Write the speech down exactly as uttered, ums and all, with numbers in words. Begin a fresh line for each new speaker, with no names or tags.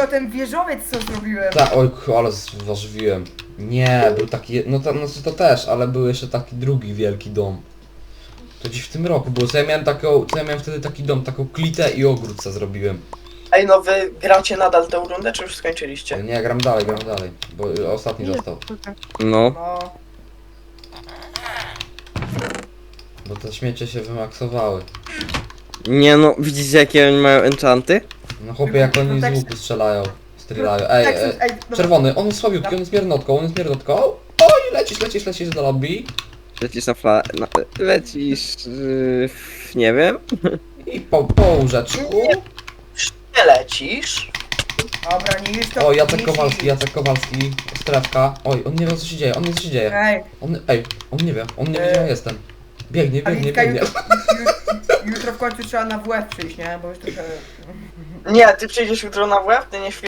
o ten wieżowiec, co zrobiłem.
Ta, oj, ku- ale zważywiłem. Nie, był taki, no to, no to też, ale był jeszcze taki drugi wielki dom. To gdzieś w tym roku było, co ja miałem taką, co ja miałem wtedy taki dom, taką klitę i ogród co zrobiłem.
Ej, no wy gracie nadal tę rundę, czy już skończyliście?
Nie, gram dalej, gram dalej, bo ostatni został.
No.
No.
Bo te śmiecie się wymaksowały.
Nie no, widzicie jakie oni mają enchanty?
No chłopie, jak oni z łuku strzelają, strzelają. Ej,
Tak,
e,
ej, dobra.
czerwony, on jest słabiutki, on jest miernotką, on jest miernotką. Oj, lecisz, lecisz, lecisz do lobby.
Lecisz na fla... Na... Lecisz... Yy... Nie wiem.
I po, po łóżeczku.
Nie lecisz.
Dobra, nie jest to...
O, Jacek
nie
Kowalski,
się-
Jacek Kowalski, strefka. Oj, on nie wie co się dzieje, on nie wie co się dzieje.
Ej,
On, ej, on nie wie, on nie wie gdzie ja jestem. Biegnie, biegnie,
Alitka,
biegnie.
jutro, jutro w końcu trzeba na W F przyjść, nie? Bo już trochę...
Nie, ty przyjdziesz jutro na W F, ty nie